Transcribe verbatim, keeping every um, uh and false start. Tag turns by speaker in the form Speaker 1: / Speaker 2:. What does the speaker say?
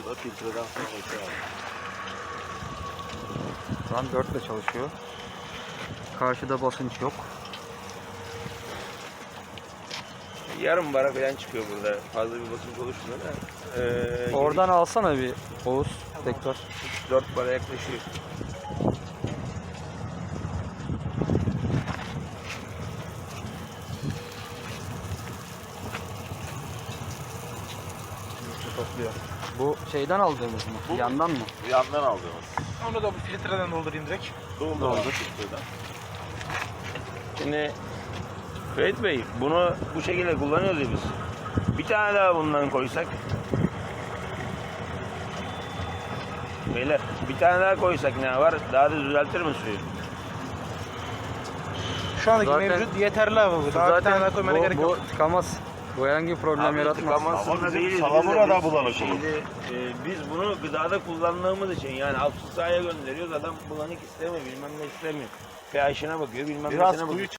Speaker 1: Şu da filtreden sonra geçiyor abi.
Speaker 2: Şu an dört ile çalışıyor. Karşıda basınç yok.
Speaker 3: Yarım bara falan çıkıyor burada. Fazla bir basınç oluşmuyor da. Ee,
Speaker 2: Oradan alsana bir Oğuz tekrar.
Speaker 3: dört bara yaklaşıyor.
Speaker 2: Topluyor. Bu şeyden aldığımız mı?
Speaker 1: Bu-
Speaker 2: Yandan mı?
Speaker 1: Bir yandan aldığımız.
Speaker 4: Onu da bu filtreden doldurayım direkt.
Speaker 1: Doldu
Speaker 2: Doldu.
Speaker 1: abi filtreden.
Speaker 3: Şimdi Ferit Bey bunu bu şekilde kullanıyoruz ya biz. Bir tane daha bundan koysak. Beyler bir tane daha koysak ne var? Daha da düzeltir mi suyu?
Speaker 4: Şu andaki
Speaker 2: Zaten-
Speaker 4: mevcut yeterli abi bu. Daha bir tane daha koymana
Speaker 2: bu,
Speaker 4: gerek
Speaker 2: bu
Speaker 4: yok.
Speaker 2: tıkamaz. Bu herhangi bir problem
Speaker 3: Abi
Speaker 2: yaratmaz.
Speaker 3: tıkamasında
Speaker 1: Ama bizim
Speaker 3: değiliz.
Speaker 1: salamura
Speaker 3: Biz de
Speaker 1: da
Speaker 3: biz-
Speaker 1: bulanık
Speaker 3: Şimdi e, biz bunu gıdada kullandığımız için yani alt sahaya gönderiyoruz. Adam bulanık istemiyor, bilmem ne istemiyor. pH'ine bakıyor, bilmem
Speaker 1: Biraz
Speaker 3: nesine bakıyor.
Speaker 1: kuyu